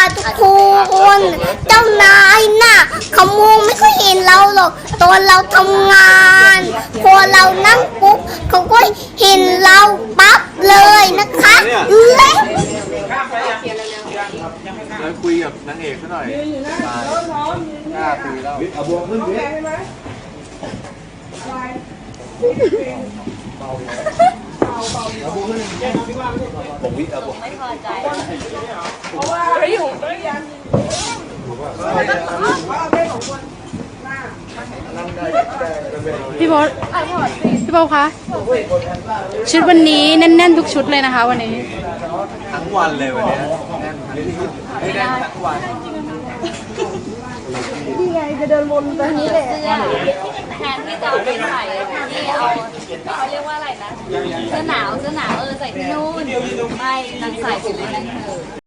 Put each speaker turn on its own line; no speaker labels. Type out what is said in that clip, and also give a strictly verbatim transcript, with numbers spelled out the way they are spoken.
ทุกคนเจ้านายน่ะเขามองไม่ค่อยเห็นเราหรอกตอนเราทำงานพอเรานั่งปุ๊บเขาก็เห็นเราปั๊บเลยนะคะเล็ก
แล้วคุยกับนางเอกซะหน่อยกล้าคุยแล้วเอาบวกขึ้นดิผมวิเอาบวกไม่พอใจเพราะว่าไม่อยู่ไม่ยัน
พี่โบ๊ทพี่โบ๊ทคะชุดวันนี้แน่นๆทุกชุดเลยนะคะวันนี้
ทั้งวันเลยวันนี้แน่นไม่ได้ทั้งวัน
นี่ไงจะเดินวนไปนี้แหละ
แทนที่จะเอาไปใส่ที่เอาเขาเรียกว่าอะไรนะเสื้อหนาวเสื้อหนาวเออใส่ที่นู่นไม่นางใส่ไปเลยนางเถอะ